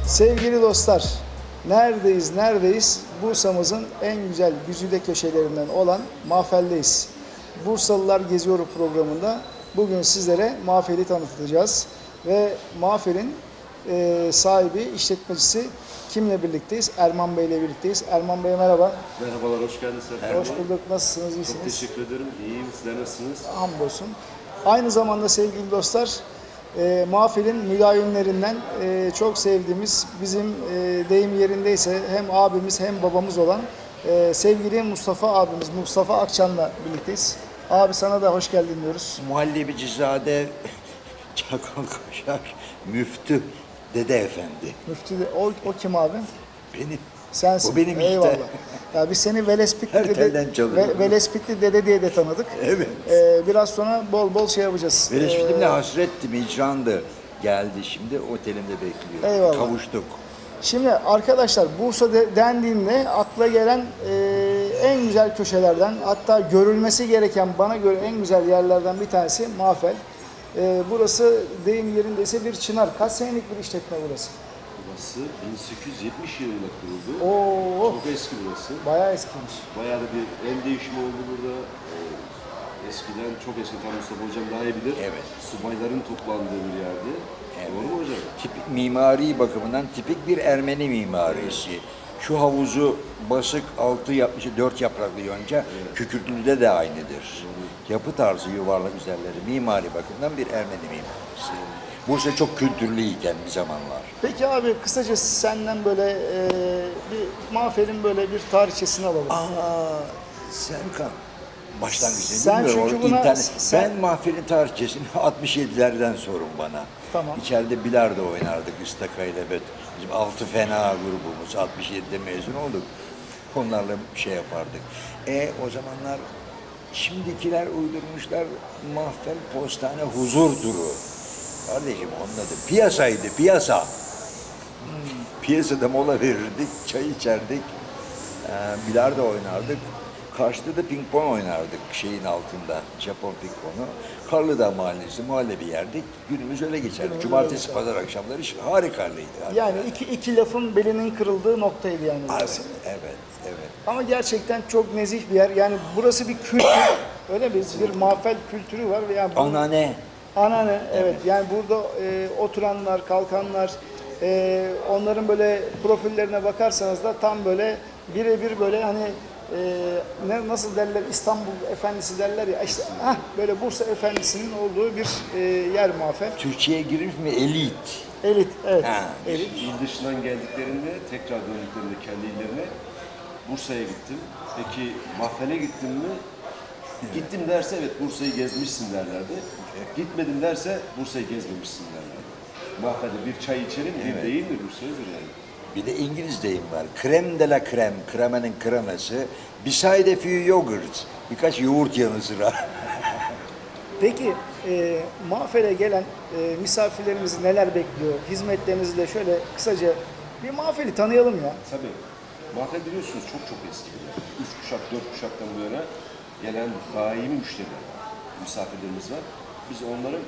Sevgili dostlar, neredeyiz? Bursa'mızın en güzel güzide köşelerinden olan Mahfel'deyiz. Bursalılar Geziyor programında bugün sizlere Mahfel'i tanıtacağız. Ve Mahfel'in sahibi, işletmecisi kimle birlikteyiz? Erman Bey ile birlikteyiz. Erman Bey merhaba. Merhabalar, hoş geldiniz. Hoş bulduk. Nasılsınız? İyisiniz? Çok teşekkür ederim. İyiyim. Sizler nasılsınız? Hamdolsun. Aynı zamanda sevgili dostlar, Mahfel'in müdavimlerinden çok sevdiğimiz, bizim deyim yerindeyse hem abimiz hem babamız olan sevgili Mustafa abimiz, Mustafa Akçan'la birlikteyiz. Abi sana da hoş geldin diyoruz. Muhallebicizade Çakal Kaşar Müftü Dede Efendi. Müftü de, o kim abi? Benim. Sensin. O benim işte. Eyvallah. Ya biz seni Velespitli Her telden çalıyorum. Velespitli dede diye de tanıdık. Evet. Biraz sonra bol bol şey yapacağız. Velespitlimle hasrettim, icrandı. Geldi şimdi otelimde bekliyor. Eyvallah. Kavuştuk. Şimdi arkadaşlar Bursa dendiğinde akla gelen en güzel köşelerden, hatta görülmesi gereken bana göre en güzel yerlerden bir tanesi Mahfel. Burası deyim yerindeyse bir çınar. Kaç senelik bir işletme burası? Burası 1870 yılında kuruldu. Oo, Çok eski burası. bayağı eskiymiş. Bayağı da bir el değişimi oldu burada. Eskiden, çok eskiden Mustafa Hocam daha iyi bilir. Evet. Subayların toplandığı bir yerdi. Evet. Doğru mu hocam? Tipik mimari bakımından tipik bir Ermeni mimarisi. Şu havuzu basık altı yapmış, 4 yapraklı yonca, Kükürtlü'de de aynıdır. Yapı tarzı yuvarlak üzerleri mimari bakımından bir Ermeni mimarisi. Bursa çok kültürlüyken bir zamanlar. Peki abi kısaca senden böyle bir Mahfel'in böyle bir tarihçesini alalım. Serkan. Başlangıçta Sen bilmiyorum. çünkü O buna- internet- sen- Ben Mahfel'in tarihçesini 67'lerden sorun bana. Tamam. İçeride bilardo oynardık Istaka ile bizim 6 fena grubumuz. 67'de mezun olduk. Onlarla şey yapardık. O zamanlar şimdikiler uydurmuşlar Mahfel Postane Huzur Duru. Kardeşim onun adı piyasaydı, piyasa. Piyasada mola verirdik, çay içerdik, bilardo oynardık. Karşıda da ping pong oynardık şeyin altında, Japon ping pongu. Karlıdağ Mahallesi, muhallebi yerdik. Günümüz öyle geçerdi. Cumartesi, pazar akşamları harikulade. Yani iki lafın belinin kırıldığı noktaydı yani burası. Evet. Ama gerçekten çok nezih bir yer. Yani burası bir kültür. Öyle mi? Bir Mahfel kültürü var. Yani Anane. Anane, evet. Yani burada oturanlar, kalkanlar, onların böyle profillerine bakarsanız da tam böyle birebir böyle hani nasıl derler, İstanbul Efendisi derler ya, işte böyle Bursa Efendisi'nin olduğu bir yer Mahfel. Türkiye'ye girmiş mi? Elit. Elit, evet. Ha. Elit. İl dışından geldiklerinde, tekrar döndüklerinde kendi illerine Bursa'ya gittim. Peki Mahfel'e gittin mi? Gittim derse evet Bursa'yı gezmişsin derlerdi. Gitmedim derse Bursa'yı gezmemişsin derlerdi. Mahfel'de bir çay içelim, bir değil mi bir sözdür yani. Bir de İngiliz deyim var. Krem de la krem, kremenin kreması. Beside a few yogurt. Birkaç yoğurt yanı sıra. Peki Mahfel'e gelen misafirlerimizi neler bekliyor? Hizmetlerinizi de şöyle kısaca bir Mahfel'i tanıyalım ya. Tabii. Mahfel biliyorsunuz çok eski bir yer. 3 kuşak, 4 kuşaktan bu yana gelen daimi müşteriler var. Misafirlerimiz var. Biz onların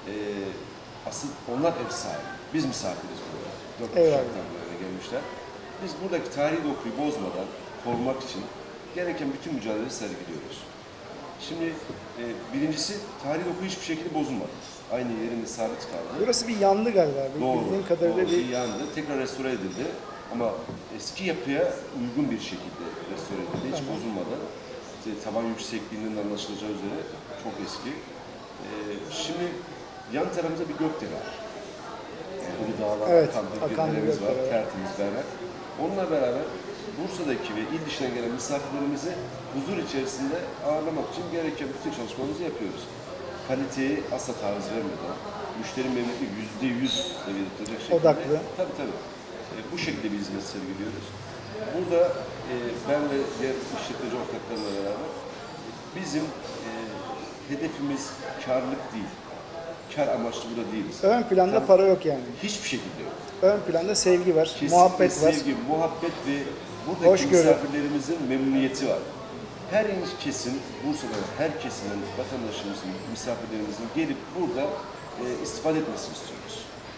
asıl onlar ev sahibi. Biz misafiriz burada. 4 kuşaktan bu yana gelmişler. Biz buradaki tarihi dokuyu bozmadan korumak için gereken bütün mücadeleyi sergiliyoruz. Şimdi birincisi tarihi doku hiçbir şekilde bozulmadı. Aynı yerinde sabit kaldı. Burası bir yandı galiba. Bildiğim kadarıyla doğru, bir yandı. Tekrar restore edildi. Ama eski yapıya uygun bir şekilde restore edildi. Hiç bozulmadan. İşte taban yüksekliğinden anlaşılacağı üzere çok eski. Şimdi yan tarafımızda bir gökdelen var. Kuru dağlar, Evet, akan bir bir deremiz var. gökdelen var. Tertemiz berrak. Onunla beraber Bursa'daki ve il dışından gelen misafirlerimizi huzur içerisinde ağırlamak için gereken bütün çalışmalarımızı yapıyoruz. Kaliteyi asla taviz vermeden, müşteri memnuniyeti %100 seviyede tutacak şekilde. Odaklı. Tabii. Bu şekilde bir hizmet sergiliyoruz. Burada ben ve diğer işletmeci ortaklarımla beraber bizim hedefimiz karlık değil. Kar amaçlı burada değiliz. ön planda Tabii, para yok yani. hiçbir şekilde yok. Ön planda sevgi var, Kesinlikle muhabbet var. sevgi, muhabbet ve buradaki Hoşgörü. misafirlerimizin memnuniyeti var. Her kesim, Bursa'da her kesimin, vatandaşımızın, misafirlerimizin gelip burada istifade etmesini istiyoruz.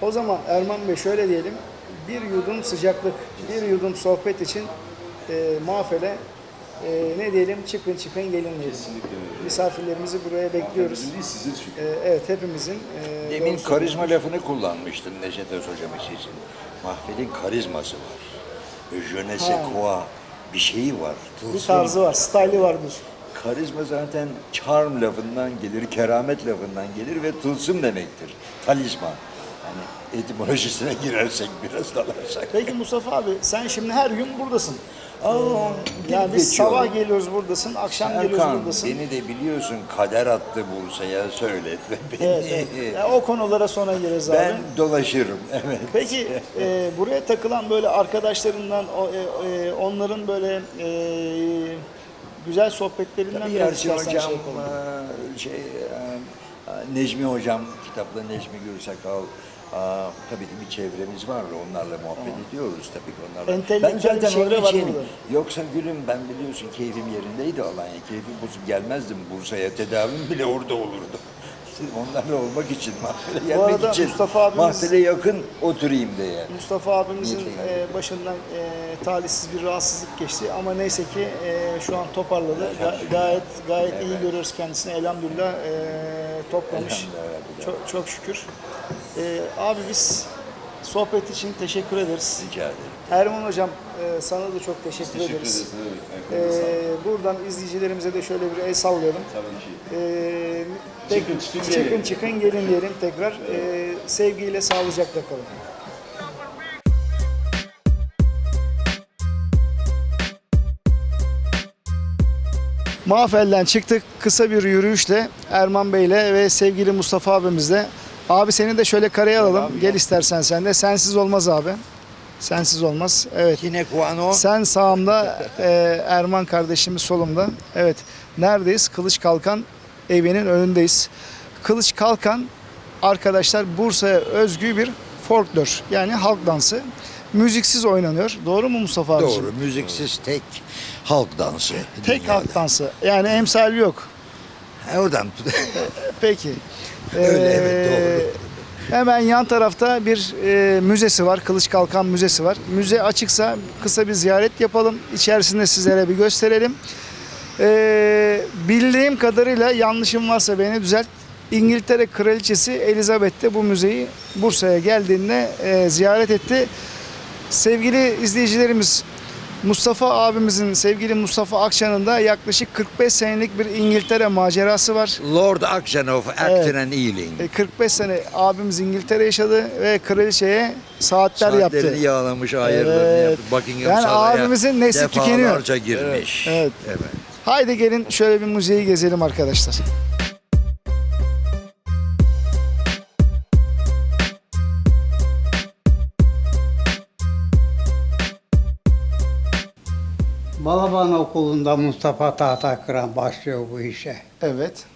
O zaman Erman Bey şöyle diyelim, bir yudum sıcaklık, bir yudum sohbet için Mafele ne diyelim, çıkın çıkın gelin diyelim. Kesinlikle öyle. Misafirlerimizi buraya bekliyoruz. Bizim değil, sizin çünkü. Evet, hepimizin. Demin doğru karizma söylüyorsunuz. lafını kullanmıştın Neşet Öz hocam için. Mahfilin karizması var. Je ne sais Ha. quoi bir şeyi var. Bir Tılsım. tarzı var, style'ı var diyorsun. Karizma zaten charm lafından gelir, keramet lafından gelir ve tılsım demektir. Talisman. Hani etimolojisine girersek biraz dalarsak. Peki Mustafa abi, sen şimdi her gün buradasın. Aa, Yani biz geçiyorum. sabah geliyoruz buradasın, akşam geliyoruz Erkan, buradasın. beni de biliyorsun kader attı Bursa'ya söyletme beni. Evet, evet. Ya, o konulara sonra gireriz abi. Ben dolaşırım, evet. Peki buraya takılan böyle arkadaşlarından, onların böyle güzel sohbetlerinden Tabii biraz Ersin istersen Hocam, şey yapalım. Necmi Hocam, kitapta Necmi Gürsakal, tabii ki bir çevremiz var, onlarla muhabbet ediyoruz tabii ki onlarla. Entelektüel bir çevre var burada. Yoksa gülüm ben biliyorsun keyfim yerindeydi Alanya, keyfim bozuk gelmezdim Bursa'ya, tedavim bile orada olurdu. Siz onlarla olmak için, mahfile gelmek arada için, Mustafa abimiz- mahfile yakın oturayım diye. Mustafa abimizin Niyetle başından talihsiz bir rahatsızlık geçti ama neyse ki şu an toparladı. Gayet iyi görüyoruz kendisini. Elhamdülillah toplamış. Elhamdülillah. Çok şükür. Abi biz sohbet için teşekkür ederiz. Rica ederim. Erman hocam sana da çok teşekkür Teşekkür ederiz. ederiz. Evet, ayaklarınıza sağlık. Buradan izleyicilerimize de şöyle bir el sallayalım. Tabii ki. Çıkın gelin diyelim tekrar. Sevgiyle, sağlıcakla kalın. Mafel'den çıktık kısa bir yürüyüşle Erman Bey'le ve sevgili Mustafa abimizle. Abi seni de şöyle kareye alalım. Gel istersen sen de. Sensiz olmaz abi. Sensiz olmaz. Evet. Yine Kuano. Sen sağımda, Erman kardeşimiz solumda. Evet. Neredeyiz? Kılıç Kalkan evinin önündeyiz. Kılıç Kalkan arkadaşlar Bursa'ya özgü bir folklor yani halk dansı. Müziksiz oynanıyor. Doğru mu Mustafa abiciğim? Doğru, müziksiz tek halk dansı. Tek dünyada. halk dansı. Yani emsali yok. Oradan Peki. Öyle, evet, doğru. Hemen yan tarafta bir müzesi var. Kılıç Kalkan Müzesi var. Müze açıksa kısa bir ziyaret yapalım. İçerisinde sizlere bir gösterelim. Bildiğim kadarıyla yanlışım varsa beni düzelt. İngiltere Kraliçesi Elizabeth de bu müzeyi Bursa'ya geldiğinde ziyaret etti. Sevgili izleyicilerimiz, Mustafa abimizin, sevgili Mustafa Akçan'ın da yaklaşık 45 senelik bir İngiltere macerası var. Lord Action of Acton and Ealing. 45 sene abimiz İngiltere yaşadı ve kraliçeye saatler yaptı. Saatlerini yağlamış, ayırlarını Evet. yaptı. Buckingham Yani Saray'a abimizin nesli tükeniyor. defalarca girmiş. Evet. Haydi gelin şöyle bir müzeyi gezelim arkadaşlar. Balaban Okulu'nda Mustafa Tahtakıran başlıyor bu işe. Evet.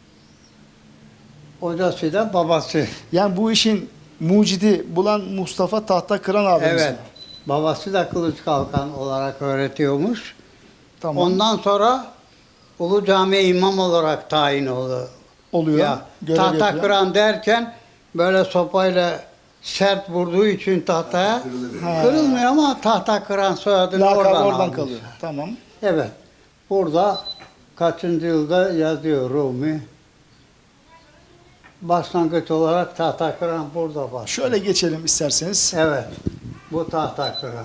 Hocası da babası. Yani bu işin mucidi bulan Mustafa Tahtakıran abimiz. Evet. Babası da Kılıç Kalkan olarak öğretiyormuş. Tamam. Ondan sonra Ulu Cami'ye imam olarak tayin oldu. oluyor. Ya, görev yapıyor. Tahtakıran derken böyle sopayla sert vurduğu için tahtaya kırılmıyor ama Tahtakıran soyadını Lakabı oradan oradan almış. kalıyor. Tamam. Evet. Burada kaçıncı yılda yazıyor Rumi. Başlangıç olarak Tahtakıran burada başlıyor. Şöyle geçelim isterseniz. Evet. Bu Tahtakıran.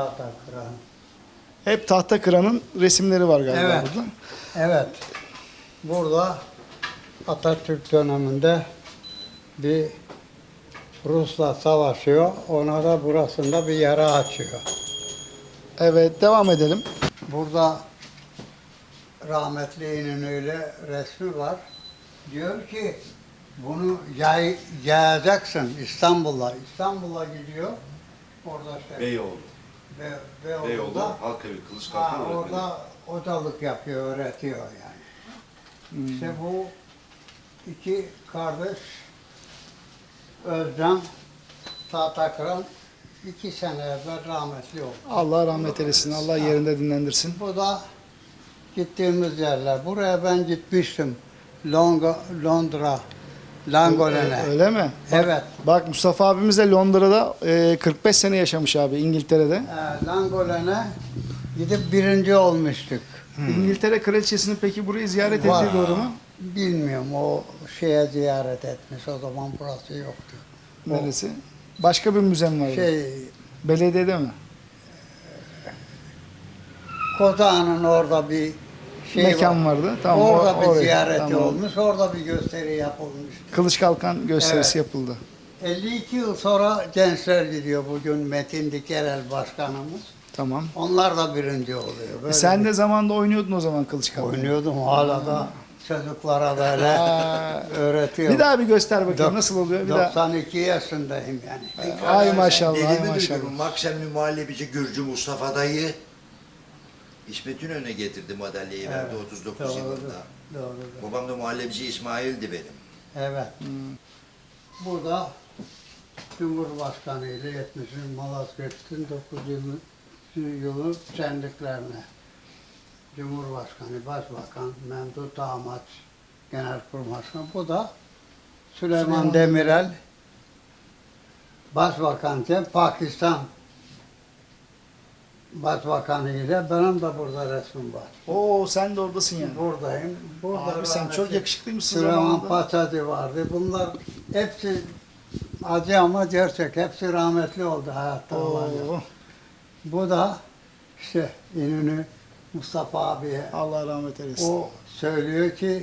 Hep Tahtakıran'ın resimleri var galiba Evet. burada. Evet. Burada Atatürk döneminde bir Rus'la savaşıyor. Ona da burasında bir yara açıyor. Evet, devam edelim. Burada rahmetli İnönü'yle resmi var. Diyor ki bunu yayacaksın İstanbul'a. İstanbul'a gidiyor. Orada Beyoğlu. Beyoğlu'da Beyoğlu, Halkavi, Kılıç Kalkan öğretmeni. orada hocalık yapıyor, öğretiyor yani. İşte bu iki kardeş Özcan, Tahtakıran 2 sene evvel rahmetli oldu. Allah rahmet eylesin. Allah yerinde dinlendirsin. Bu da gittiğimiz yerler. Buraya ben gitmiştim. Londra Langolene. Öyle mi? Evet. Bak Mustafa abimiz de Londra'da 45 sene yaşamış abi, İngiltere'de. Langolene gidip birinci olmuştuk. İngiltere kraliçesinin peki burayı ziyaret Var. ettiği doğru mu? Bilmiyorum, o şeye ziyaret etmiş, o zaman burası yoktu. Neresi? Başka bir müze mi vardı? Şey, Belediyede mi? Kozağı'nın orada bir şey Mekan var. vardı. Tamam. Orada bir oraya. ziyareti Tamam. olmuş, orada bir gösteri yapılmış. Kılıç Kalkan gösterisi Evet. yapıldı. 52 yıl sonra gençler gidiyor bugün Metin Dikerel başkanımız. Tamam. Onlar da birinci oluyor. Böyle Sen de zamanında oynuyordun o zaman Kılıç Kalkan. oynuyordum, hala da çocuklara böyle Aa, öğretiyorum. bir daha bir göster bakayım Dok- nasıl oluyor. Bir daha. 92 yaşındayım yani. Ay maşallah, ay Dediğimi maşallah. duydum. Maksimum muhallebici Gürcü Mustafa dayı İsmet İnönü'ne getirdi madalyayı verdi 39 Doğru, yılında. doğru. Babam da muhallebici İsmail'di benim. Evet. Burada Cumhurbaşkanı ile 70. Malazgirt'in 9. yılı şenliklerine Cumhurbaşkanı, Başbakan, Memduh Damat, Genelkurmay. Bu da Süleyman Demirel Başbakanken Pakistan Başbakanı ile benim de burada resmim var. Oo sen de oradasın yani. Buradayım. Burada Abi sen rahmetli çok yakışıklıymışsın Süleyman zamanında. Paçacı vardı. Bunlar hepsi acı ama gerçek. Hepsi rahmetli oldu hayatta olanlar. Oo, Bu da işte İnönü Mustafa abiye Allah rahmet eylesin. o söylüyor ki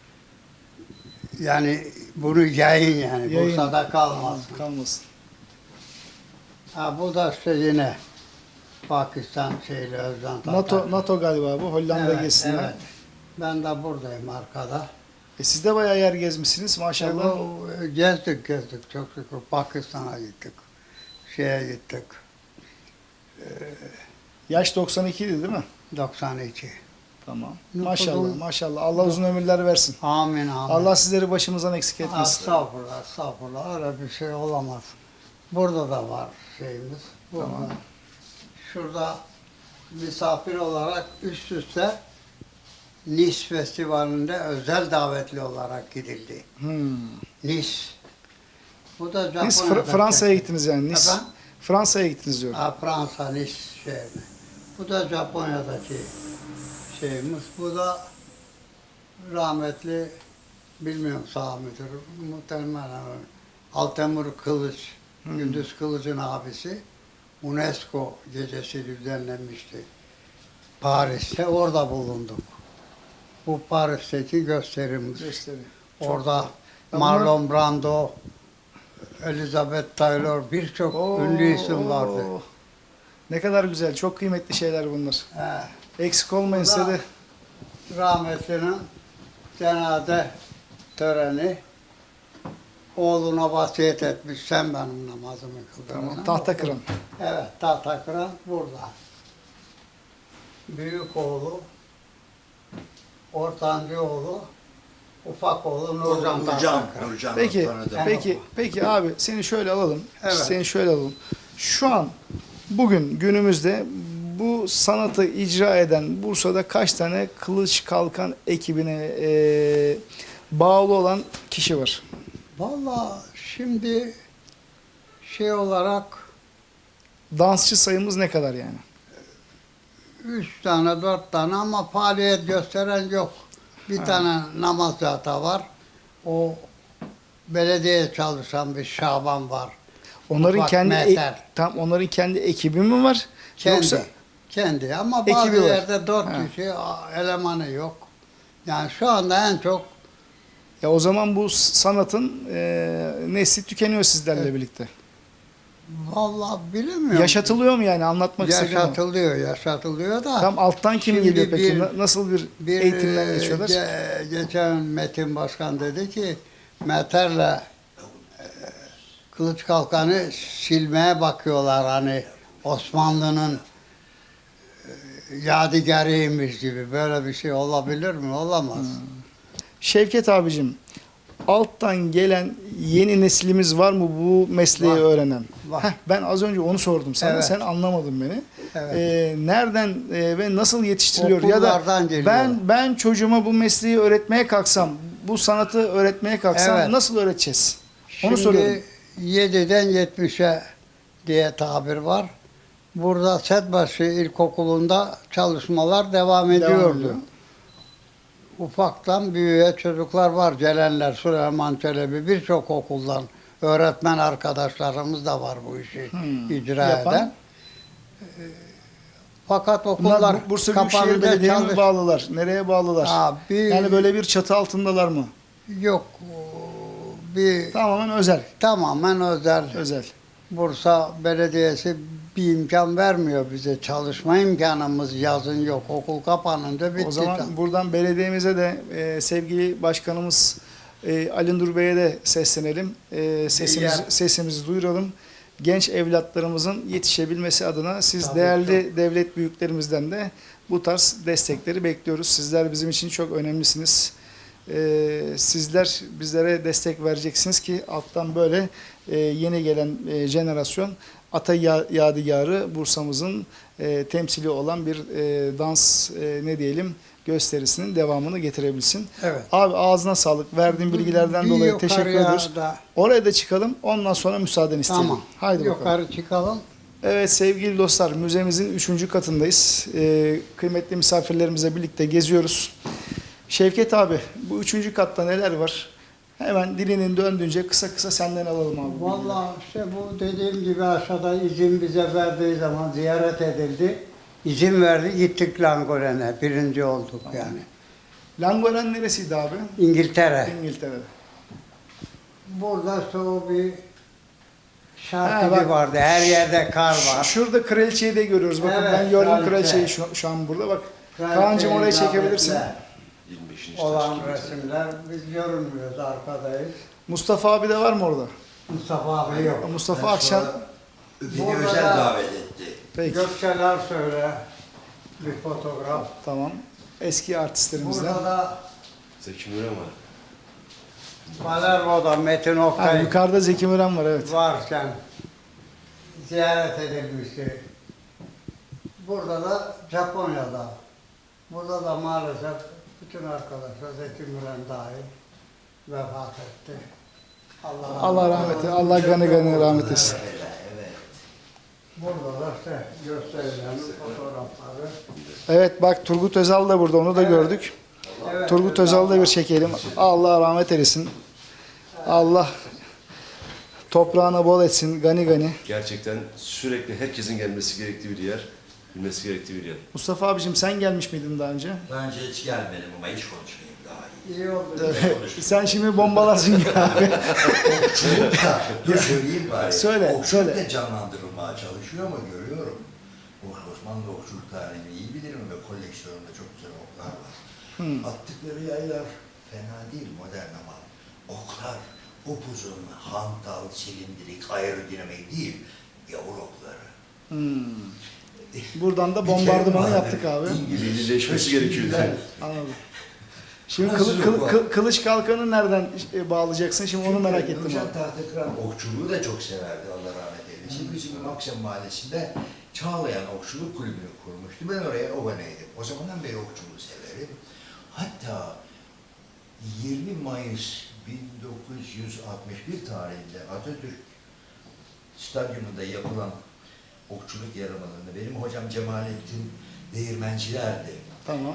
yani bunu yayın yani Yayın. Bursa'da kalmasın. Kalmasın. Ha, bu da işte yine Pakistan şeyle Özcan NATO galiba bu. Hollanda gezisinden. evet. Ben de buradayım arkada. Siz de bayağı yer gezmişsiniz maşallah. Gezdik çok şükür. Pakistan'a gittik. Şeye gittik. Yaş 92 idi değil mi? 92. Tamam. Ne Maşallah kadar- maşallah. Allah uzun ömürler versin. Amin amin. Allah sizleri başımızdan eksik etmesin. Estağfurullah, estağfurullah. Öyle bir şey olamaz. Burada da var şeyimiz. Burada. Tamam. Şurada misafir olarak üst üste Nice Festivali'nde özel davetli olarak gidildi. Nice. Bu da Japonya'da. Siz Fransa'ya gittiniz yani. Nice. Efendim? Fransa'ya gittiniz diyorum. Fransa Nice şehri. Bu da Japonya'daki şeyimiz. Bu da rahmetli, bilmiyorum sağ mıdır, muhtemelen Altemur Kılıç, Gündüz Kılıç'ın abisi UNESCO gecesi düzenlenmişti. Paris'te orada bulunduk. Bu Paris'teki gösterimiz. Gösteri. Orada Ya bunlar- Marlon Brando, Elizabeth Taylor birçok ünlü isim vardı. Ne kadar güzel. Çok kıymetli şeyler bunlar. He. Eksik olmayın Bu da- size de. Rahmetlinin cenaze töreni oğluna vasiyet etmiş. Sen benim namazımı kıldıracaksın. Tamam. Tahta kıran. Evet, tahta kıran burada. Büyük oğlu, ortancı oğlu, ufak oğlu Nurcan tahta kıran. Nurcan Peki, tanıdım. peki abi seni şöyle alalım. Evet. Seni şöyle alalım. Şu an bugün günümüzde bu sanatı icra eden Bursa'da kaç tane Kılıç Kalkan ekibine bağlı olan kişi var? Vallahi şimdi şey olarak Dansçı sayımız ne kadar yani? 3 tane, 4 tane ama faaliyet gösteren yok. Bir tane namaz zata var. O belediye çalışan bir Şaban var. Onların Ufak kendi meter. tam onların kendi ekibi mi var? Kendi. Yoksa Kendi ama bazı Ekibi var. yerde 4 Ha. kişi elemanı yok. Yani şu anda en çok ya o zaman bu sanatın nesli tükeniyor sizlerle birlikte. vallahi bilemiyorum. Yaşatılıyor mu yani anlatmak istediğim o. Yaşatılıyor da. Tam alttan kim Şimdi geliyor peki? bir- Nasıl bir Bir eğitimden geçiyorlar? geçen Metin Başkan dedi ki Meter'le Kılıç Kalkan'ı silmeye bakıyorlar hani Osmanlı'nın yadigarıymış gibi. Böyle bir şey olabilir mi? Olamaz. Şevket abicim, alttan gelen yeni neslimiz var mı bu mesleği Var. öğrenen? Var. Ben az önce onu sordum sana, Evet. sen anlamadın beni. Evet. Nereden ve nasıl yetiştiriliyor? Ya da Okullardan geliyor. ben çocuğuma bu mesleği öğretmeye kalksam bu sanatı öğretmeye kalksan Evet. nasıl öğreteceğiz? Onu Şimdi soruyorum. 7'den 70'e diye tabir var. Burada Setbaşı İlkokulu'nda çalışmalar devam ediyordu. ediyor. Ufaktan büyüğe çocuklar var. Celenler, Süleyman Çelebi birçok okuldan öğretmen arkadaşlarımız da var bu işi icra Yapan. eden. Fakat Bunlar okullar Bursa Büyükşehir kapanınca Belediye'ye mi bağlılar? Nereye bağlılar? Yani böyle bir çatı altındalar mı? Yok. Bir Tamamen özel. tamamen özel. Özel. Bursa Belediyesi bir imkan vermiyor bize. Çalışma imkanımız yazın yok. Okul kapanınca bitti. O zaman buradan belediyemize de sevgili başkanımız Ali Nur Bey'e de seslenelim. Sesimizi duyuralım. Genç evlatlarımızın yetişebilmesi adına siz Tabii, değerli devlet büyüklerimizden de bu tarz destekleri bekliyoruz. Sizler bizim için çok önemlisiniz. Sizler bizlere destek vereceksiniz ki alttan böyle yeni gelen jenerasyon ata yadigarı Bursa'mızın temsili olan bir dans ne diyelim gösterisinin devamını getirebilsin. Evet. Abi ağzına sağlık. Verdiğin bilgilerden Bir dolayı teşekkür yukarıya ediyoruz. da- Oraya da çıkalım. Ondan sonra müsaaden isteyelim. Tamam. Haydi bakalım. Yukarı çıkalım. Evet sevgili dostlar, müzemizin 3. katındayız. Kıymetli misafirlerimizle birlikte geziyoruz. Şevket abi, bu 3. katta neler var? Hemen dilinin döndüğünce kısa kısa senden alalım abi. Vallahi işte bu dediğim gibi aşağıda izin bize verdiği zaman ziyaret edildi. İzin verdi gittik Langolen'e. Birinci olduk yani. Langolen neresiydi abi? İngiltere. İngiltere'de. Burada işte o bir Ha, şarkıcı bak. vardı. Her yerde kar var. Şurada kraliçeyi de görüyoruz. Bakın Evet, ben gördüm kraliçe. kraliçeyi şu an burada. Bak Kraliçe Kaan'cığım oraya icabetler 25. olan taş resimler. Biz görünmüyoruz, arkadayız. Mustafa abi de var mı orada? Mustafa abi yok. Mustafa Akşan. Beni Burada özel da- davet etti. Peki. Gökçeler söyle. Bir fotoğraf. Tamam. Eski artistlerimizden. Burada da Zeki Müren var. Palermo'da Metin Ha, Oktay yukarıda Zeki Müren var evet. varken ziyaret edilmişti. Burada da Japonya'da. Burada da maalesef bütün arkadaşlar Zeki Müren dahil vefat etti. Allah rahmet eylesin. Allah gani rahmet etsin. Evet. Burada da işte gösterilen fotoğrafları. Evet bak Turgut Özal da burada onu da gördük. Evet, Turgut Özal'ı da bir çekelim. Allah rahmet eylesin. Allah toprağına bol etsin gani gani. Gerçekten sürekli herkesin gelmesi gerektiği bir yer, bilmesi gerektiği bir yer. Mustafa abicim sen gelmiş miydin daha önce? Daha önce hiç gelmedim ama hiç konuşmayayım daha iyi. İyi oldu. Sen şimdi bombalarsın ya abi. Dur söyleyeyim bari. Söyle, Okçuluk söyle. da canlandırılmaya çalışıyor ama görüyorum. Bu Osmanlı okçuluk tarihini iyi bilirim ve koleksiyonumda çok güzel oklar var. Attıkları yaylar fena değil modern ama oklar upuzun, hantal, silindirik, aerodinamik değil, gavur okları. Buradan da Bir bombardımanı terim yaptık vardır. abi. İngiliz Millileşmesi gerekiyor. Anladım. Şimdi Hazırlık var. kılıç kalkanı nereden bağlayacaksın? Şimdi onu merak ettim Hocam abi. Tahtakıran okçuluğu da çok severdi Allah rahmet eylesin. Bizim Akşam Mahallesi'nde Çağlayan Okçuluk Kulübü'nü kurmuştu. Ben oraya aboneydim. O zamandan beri okçuluğu severim. Hatta 20 Mayıs 1961 tarihinde Atatürk Stadyumunda yapılan okçuluk yarışmalarında benim hocam Cemalettin Değirmenciler'di. Tamam.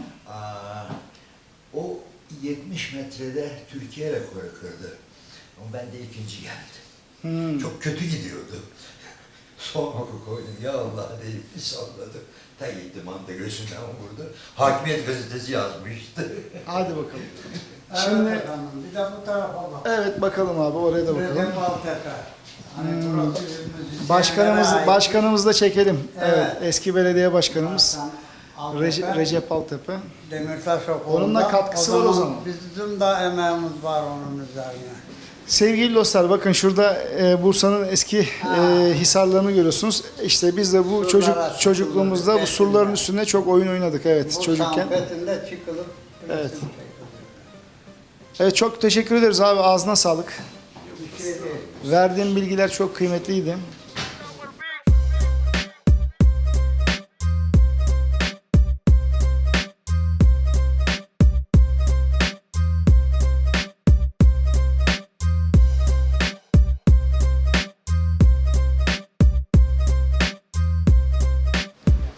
O 70 metrede Türkiye rekoru kırdı. Ama ben de ikinci geldim. Çok kötü gidiyordu. Son oku koydum. Ya Allah deyip bir salladı. Ta gitti manta gözünden vurdu. Hakimiyet gazetesi yazmıştı. Hadi bakalım. Evet Şimdi efendim, bir de bu tarafa bak. evet bakalım abi oraya da bakalım. Recep Altepe. Hani burası Başkanımızı da çekelim. Evet. Evet. Eski belediye başkanımız Altepe, Recep Altepe. Demirtaş Okulu'nda. Onun da katkısı var o zaman. Bizim de emeğimiz var onun üzerine. Sevgili dostlar bakın şurada Bursa'nın eski hisarlarını görüyorsunuz. İşte biz de bu Surlara çocukluğumuzda bu çıkılır, surların resimler. üstünde çok oyun oynadık evet Bu çocukken. sanfetinde çıkılıp Evet. resim çekildi. Evet çok teşekkür ederiz abi ağzına sağlık. Bir şey değil. Verdiğin bilgiler çok kıymetliydi.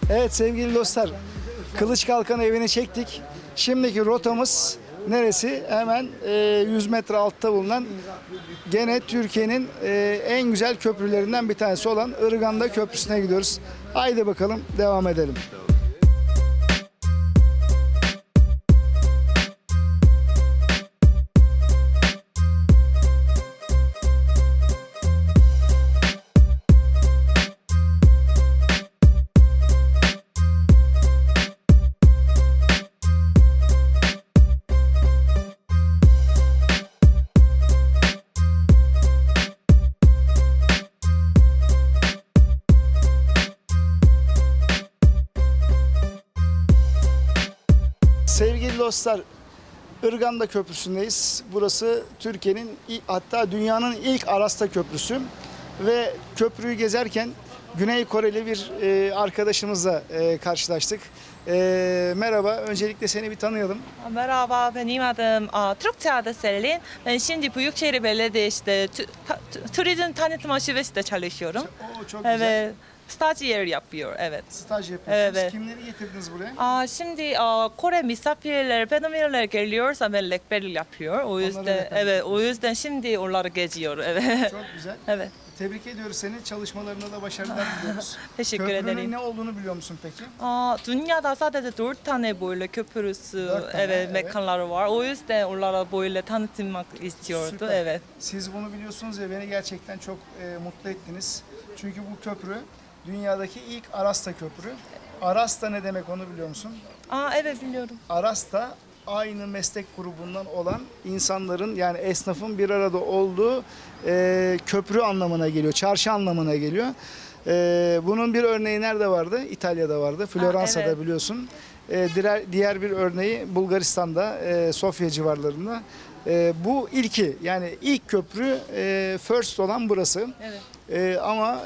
Evet sevgili dostlar, Kılıç Kalkan evini çektik. Şimdiki rotamız neresi? Hemen 100 metre altta bulunan gene Türkiye'nin en güzel köprülerinden bir tanesi olan Irganda Köprüsü'ne gidiyoruz. Haydi bakalım devam edelim. Sevgili dostlar, Irganda Köprüsü'ndeyiz. Burası Türkiye'nin hatta dünyanın ilk Arasta Köprüsü ve köprüyü gezerken Güney Koreli bir arkadaşımızla karşılaştık. Merhaba, öncelikle seni bir tanıyalım. Merhaba, benim adım Türkçe adı Selin. Ben şimdi Büyükşehir Belediyesi'de turizm tanıtım şubesinde çalışıyorum. Oo, çok güzel. Evet, stajyer yapıyor, evet. Staj yapıyorsunuz. Evet. Kimleri getirdiniz buraya? Şimdi Kore misafirler, Vietnamlılar geliyorsa ben rehberlik yapıyor. O yüzden, rehberlik evet, o yüzden şimdi onları geziyor, evet. Çok güzel. Evet. Tebrik ediyoruz seni. Çalışmalarına da başarılar diliyoruz. Teşekkür Köprünün ederim. ne olduğunu biliyor musun peki? Dünyada sadece 4 tane böyle köprüsü, 4 tane, evet, evet. mekanları var. O yüzden onlara böyle tanıtmak istiyordu, Süper. evet. Siz bunu biliyorsunuz ya beni gerçekten çok mutlu ettiniz. Çünkü bu köprü dünyadaki ilk Arasta köprü. Arasta ne demek onu biliyor musun? Evet biliyorum. Arasta aynı meslek grubundan olan insanların yani esnafın bir arada olduğu köprü anlamına geliyor, çarşı anlamına geliyor. Bunun bir örneği nerede vardı? İtalya'da vardı, Floransa'da evet. biliyorsun. Diğer bir örneği Bulgaristan'da, Sofya civarlarında. Bu ilki yani ilk köprü first olan burası. Evet. Ama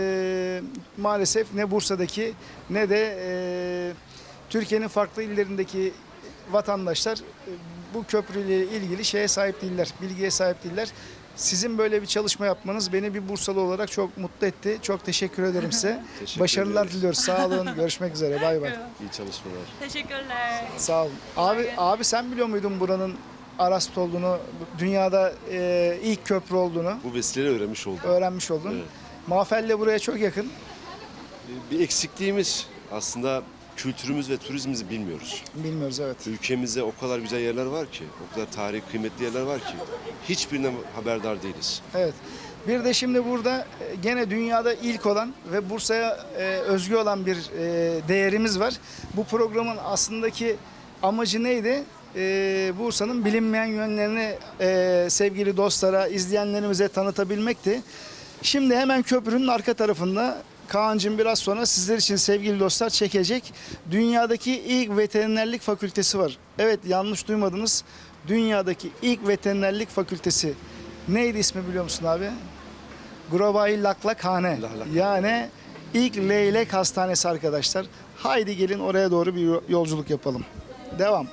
maalesef ne Bursa'daki ne de Türkiye'nin farklı illerindeki vatandaşlar bu köprüyle ilgili şeye sahip değiller, bilgiye sahip değiller. Sizin böyle bir çalışma yapmanız beni bir Bursalı olarak çok mutlu etti. Çok teşekkür ederim size. Teşekkür Başarılar ederiz. diliyoruz. Sağ olun. Görüşmek üzere. Bay bay. İyi çalışmalar. Teşekkürler. Sağ olun. Abi sen biliyor muydun buranın Arast olduğunu, dünyada ilk köprü olduğunu Bu vesileyle öğrenmiş oldum. öğrenmiş oldun. Evet. Mafelle buraya çok yakın. Bir eksikliğimiz aslında kültürümüz ve turizmimizi bilmiyoruz. Bilmiyoruz evet. Ülkemizde o kadar güzel yerler var ki, o kadar tarihi kıymetli yerler var ki hiçbirinden haberdar değiliz. Evet. Bir de şimdi burada gene dünyada ilk olan ve Bursa'ya özgü olan bir değerimiz var. Bu programın aslındaki amacı neydi? Bursa'nın bilinmeyen yönlerini sevgili dostlara, izleyenlerimize tanıtabilmekti. Şimdi hemen köprünün arka tarafında Kaan'cığım biraz sonra sizler için sevgili dostlar çekecek. Dünyadaki ilk veterinerlik fakültesi var. Evet yanlış duymadınız. Dünyadaki ilk veterinerlik fakültesi. Neydi ismi biliyor musun abi? Gurabai Laklakhane. Yani ilk leylek hastanesi arkadaşlar. Haydi gelin oraya doğru bir yolculuk yapalım. Devam.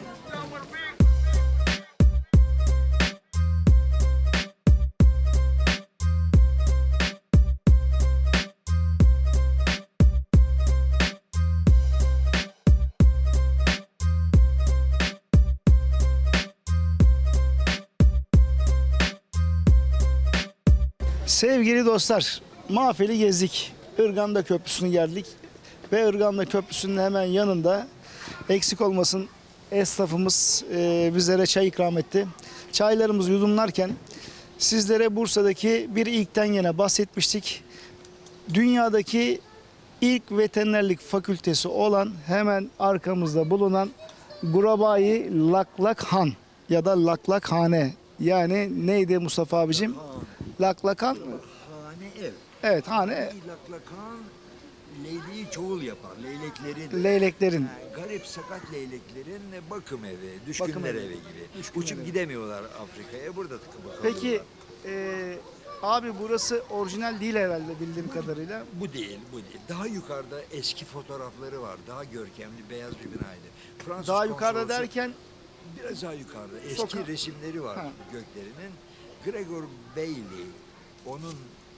Sevgili dostlar, Mafeli gezdik. Irganda Köprüsü'nü geldik. Ve Irganda Köprüsü'nün hemen yanında eksik olmasın esnafımız bizlere çay ikram etti. Çaylarımızı yudumlarken sizlere Bursa'daki bir ilkten yine bahsetmiştik. Dünyadaki ilk veterinerlik fakültesi olan hemen arkamızda bulunan Gurabai Laklakhan ya da Laklakhane. Yani neydi Mustafa abicim? Laklakan mı? Hane ev. Evet hane Laklakan leyleği çoğul yapar. Leyleklerin. leyleklerin. Yani garip sakat leyleklerin bakım evi, düşkünler Bakım evi. evi gibi. Düşkünler Uçup evi. gidemiyorlar Afrika'ya. Burada tıkıp Peki kalıyorlar. abi burası orijinal değil herhalde bildiğim kadarıyla. Bu değil, bu değil. Daha yukarıda eski fotoğrafları var. Daha görkemli beyaz bir binaydı. Fransız Daha yukarıda konsolosu- derken Biraz daha yukarıda eski Sokak. resimleri var Ha. göklerinin. Gregor Bailey, onun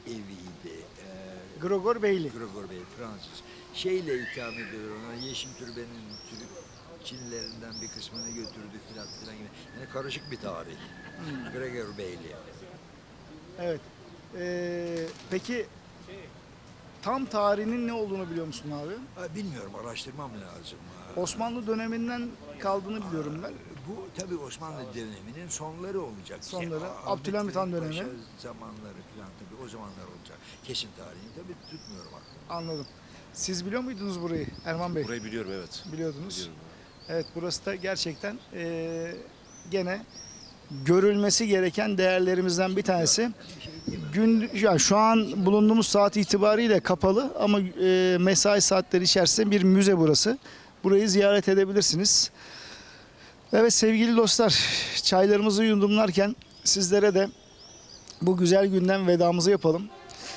eviydi. Gregor Beyli. Gregor Bey, Fransız. Şeyle ikram ediyorlar ona, Yeşim Türbe'nin Türk Çinlilerinden bir kısmını götürdük filan gibi. Yani karışık bir tarih. Gregor Beyli. Evet. Peki tam tarihinin ne olduğunu biliyor musun abi? Bilmiyorum, araştırmam lazım. Osmanlı döneminden kaldığını biliyorum ben. Bu tabii Osmanlı döneminin sonları olacak. Sonları, Ahmet Abdülhamit Han Paşa dönemi. zamanları falan tabii o zamanlar olacak. Kesin tarihini tabii tutmuyorum aklımda. Anladım. Siz biliyor muydunuz burayı Erman Bey? Burayı biliyorum, evet. Biliyordunuz. Biliyorum. Evet, burası da gerçekten gene görülmesi gereken değerlerimizden bir tanesi. Yani şu an bulunduğumuz saat itibariyle kapalı ama mesai saatleri içerisinde bir müze burası. Burayı ziyaret edebilirsiniz. Evet sevgili dostlar, çaylarımızı yudumlarken sizlere de bu güzel günden vedamızı yapalım.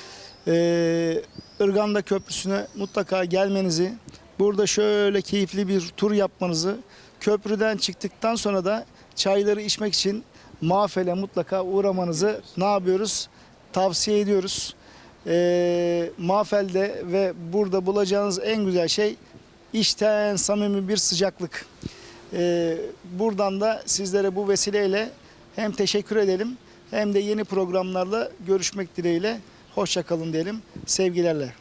Irganda Köprüsü'ne mutlaka gelmenizi, burada şöyle keyifli bir tur yapmanızı, köprüden çıktıktan sonra da çayları içmek için Mafel'e mutlaka uğramanızı ne yapıyoruz? Tavsiye ediyoruz. Mafel'de ve burada bulacağınız en güzel şey içten samimi bir sıcaklık. Buradan da sizlere bu vesileyle hem teşekkür edelim hem de yeni programlarla görüşmek dileğiyle. Hoşça kalın diyelim. Sevgilerle.